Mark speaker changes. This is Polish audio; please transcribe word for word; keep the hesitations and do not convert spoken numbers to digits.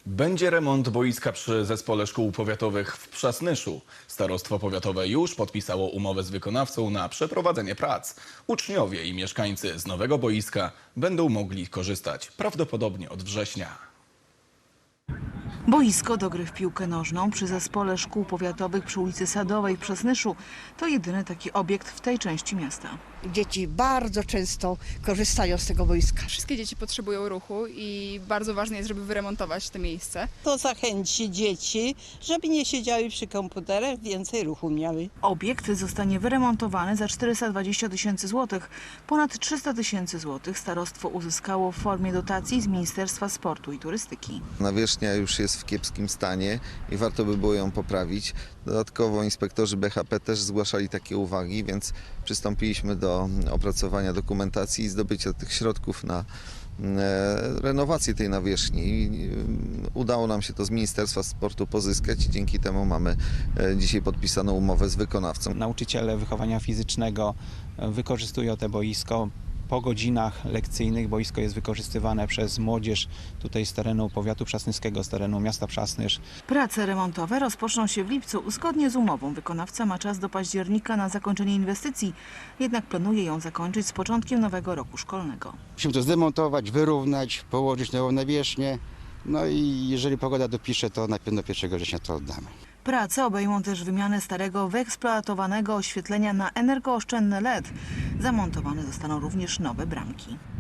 Speaker 1: Będzie remont boiska przy Zespole Szkół Powiatowych w Przasnyszu. Starostwo Powiatowe już podpisało umowę z wykonawcą na przeprowadzenie prac. Uczniowie i mieszkańcy z nowego boiska będą mogli korzystać prawdopodobnie od września.
Speaker 2: Boisko do gry w piłkę nożną przy Zespole Szkół Powiatowych przy ulicy Sadowej w Przasnyszu to jedyny taki obiekt w tej części miasta.
Speaker 3: Dzieci bardzo często korzystają z tego boiska.
Speaker 4: Wszystkie dzieci potrzebują ruchu i bardzo ważne jest, żeby wyremontować to miejsce.
Speaker 5: To zachęci dzieci, żeby nie siedziały przy komputerach, więcej ruchu miały.
Speaker 2: Obiekt zostanie wyremontowany za czterysta dwadzieścia tysięcy złotych. Ponad trzysta tysięcy złotych starostwo uzyskało w formie dotacji z Ministerstwa Sportu i Turystyki.
Speaker 6: Nawierzchnia już jest w kiepskim stanie i warto by było ją poprawić. Dodatkowo inspektorzy B H P też zgłaszali takie uwagi, więc przystąpiliśmy do opracowania dokumentacji i zdobycia tych środków na renowację tej nawierzchni. Udało nam się to z Ministerstwa Sportu pozyskać i dzięki temu mamy dzisiaj podpisaną umowę z wykonawcą.
Speaker 7: Nauczyciele wychowania fizycznego wykorzystują to boisko. Po godzinach lekcyjnych boisko jest wykorzystywane przez młodzież tutaj z terenu powiatu przasnyskiego, z terenu miasta Przasnysz.
Speaker 2: Prace remontowe rozpoczną się w lipcu. Zgodnie z umową wykonawca ma czas do października na zakończenie inwestycji, jednak planuje ją zakończyć z początkiem nowego roku szkolnego.
Speaker 8: Musimy to zdemontować, wyrównać, położyć nową nawierzchnię. No i jeżeli pogoda dopisze, to na pewno pierwszego września to oddamy.
Speaker 2: Prace obejmą też wymianę starego, wyeksploatowanego oświetlenia na energooszczędne L E D. Zamontowane zostaną również nowe bramki.